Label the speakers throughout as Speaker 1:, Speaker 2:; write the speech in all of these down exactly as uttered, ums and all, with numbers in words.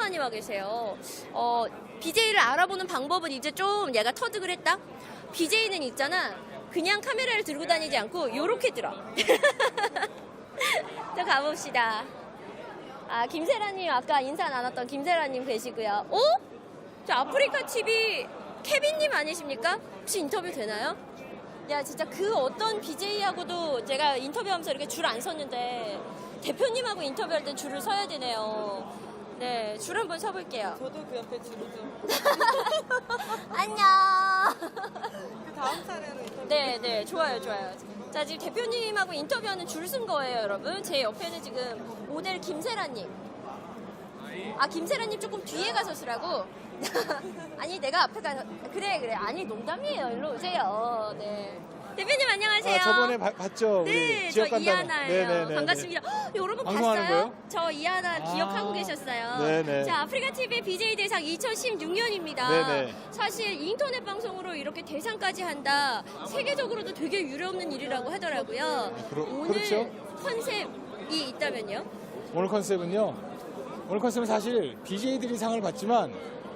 Speaker 1: 많이 와 계세요. 어, 비제이를 알아보는 방법은 이제 좀 얘가 터득을 했다? 비제이는 있잖아. 그냥 카메라를 들고 다니지 않고 요렇게 들어. 또 가봅시다. 아, 김세라님 아까 인사 나눴던 김세라님 계시고요. 어? 저 아프리카 티비 케빈님 아니십니까? 혹시 인터뷰 되나요? 야, 진짜 그 어떤 비제이하고도 제가 인터뷰하면서 이렇게 줄 안 섰는데 대표님하고 인터뷰할 땐 줄을 서야 되네요. 네, 줄 한번 서볼게요.
Speaker 2: 저도 그 옆에 줄이죠.
Speaker 1: 안녕.
Speaker 2: 그 다음 차례는 인터뷰.
Speaker 1: 네, 네, 좋아요, 좋아요. 자, 지금 대표님하고 인터뷰하는 줄 쓴 거예요, 여러분. 제 옆에는 지금 모델 김세라님. 아, 김세라님 조금 뒤에 가서 쓰라고? 아니, 내가 앞에 가서. 그래, 그래. 아니, 농담이에요. 일로 오세요. 네. 대표님 안녕하세요.
Speaker 3: 아, 저번에 바- 봤죠?
Speaker 1: 네,
Speaker 3: 우리
Speaker 1: 저
Speaker 3: 지역 간담회.
Speaker 1: 이하나예요.
Speaker 3: 네네네.
Speaker 1: 반갑습니다. 헉, 여러분
Speaker 3: 방송하는
Speaker 1: 봤어요?
Speaker 3: 거예요?
Speaker 1: 저 이하나
Speaker 3: 아,
Speaker 1: 기억하고 계셨어요.
Speaker 3: 네네.
Speaker 1: 자, 아프리카 티비 비제이 대상 이천십육 년입니다.
Speaker 3: 네네.
Speaker 1: 사실 인터넷 방송으로 이렇게 대상까지 한다. 세계적으로도 되게 유례없는 일이라고 하더라고요.
Speaker 3: 그러-
Speaker 1: 오늘
Speaker 3: 그렇죠.
Speaker 1: 컨셉이 있다면요?
Speaker 3: 오늘 컨셉은요. 오늘 컨셉은 사실 비제이들이 상을 받지만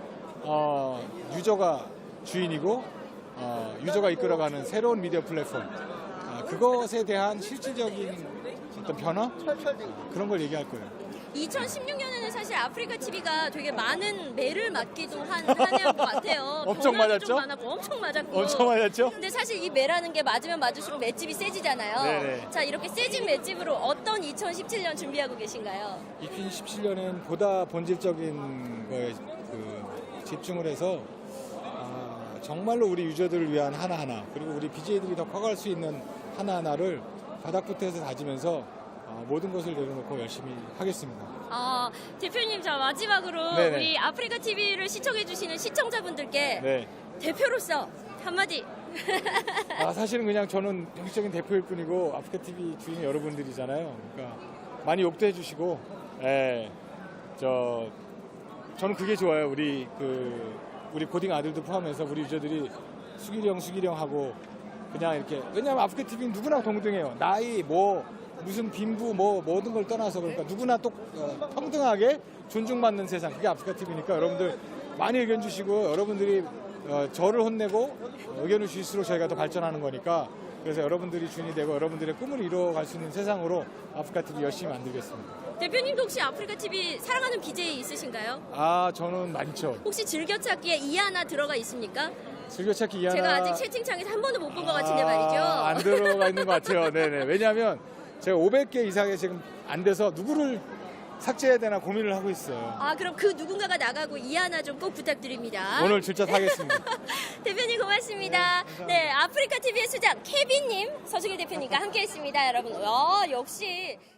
Speaker 3: 어, 유저가 주인이고 어, 유저가 이끌어가는 새로운 미디어 플랫폼 아, 그것에 대한 실질적인 어떤 변화 그런 걸 얘기할 거예요.
Speaker 1: 이천십육 년에는 사실 아프리카 티비가 되게 많은 매를 맞기도 한 한 해인 것 같아요.
Speaker 3: 엄청
Speaker 1: 변화도
Speaker 3: 맞았죠?
Speaker 1: 좀 많았고 엄청 맞았고.
Speaker 3: 엄청 맞았죠?
Speaker 1: 근데 사실 이 매라는 게 맞으면 맞을수록 맷집이 세지잖아요.
Speaker 3: 네네.
Speaker 1: 자, 이렇게 세진 맷집으로 어떤 이천십칠 년 준비하고 계신가요?
Speaker 3: 이천십칠 년엔 보다 본질적인 거에 그 집중을 해서 아, 정말로 우리 유저들을 위한 하나하나 그리고 우리 비제이들이 더 커갈 수 있는 하나하나를 바닥부터 해서 다지면서 아, 모든 것을 내려놓고 열심히 하겠습니다.
Speaker 1: 아, 대표님, 자 마지막으로
Speaker 3: 네네.
Speaker 1: 우리 아프리카 티비를 시청해주시는 시청자분들께
Speaker 3: 네.
Speaker 1: 대표로서 한마디.
Speaker 3: 아, 사실은 그냥 저는 형식적인 대표일 뿐이고 아프리카 티비 주인 여러분들이잖아요. 그러니까 많이 욕도 해주시고, 예, 저 저는 그게 좋아요. 우리 그 우리 고딩 아들도 포함해서 우리 유저들이 수기령 수기령 하고 그냥 이렇게 왜냐하면 아프리카 티비는 누구나 동등해요. 나이 뭐 무슨 빈부 뭐 모든 걸 떠나서 그러니까 누구나 또 어, 평등하게 존중받는 세상 그게 아프리카 티비니까 여러분들 많이 의견 주시고 여러분들이 어, 저를 혼내고 의견을 주실수록 저희가 더 발전하는 거니까 그래서 여러분들이 주인이 되고 여러분들의 꿈을 이루어갈 수 있는 세상으로 아프리카 티비 열심히 만들겠습니다.
Speaker 1: 대표님도 혹시 아프리카 티비 사랑하는 비제이 있으신가요?
Speaker 3: 아 저는 많죠.
Speaker 1: 혹시 즐겨찾기에 이하나 들어가 있습니까?
Speaker 3: 즐겨찾기 이하나
Speaker 1: 제가 아직 채팅창에서 한 번도 못 본 것 같은데 말이죠.
Speaker 3: 아, 안 들어가 있는 것 같아요. 네네. 왜냐하면 제가 오백 개 이상이 지금 안 돼서 누구를 삭제해야 되나 고민을 하고 있어요.
Speaker 1: 아, 그럼 그 누군가가 나가고 이하나 좀 꼭 부탁드립니다.
Speaker 3: 오늘 출자 타겠습니다.
Speaker 1: 대표님 고맙습니다. 네, 아프리카 티비의 수장 케빈님, 서승일 대표님과 함께했습니다, 여러분. 어, 역시.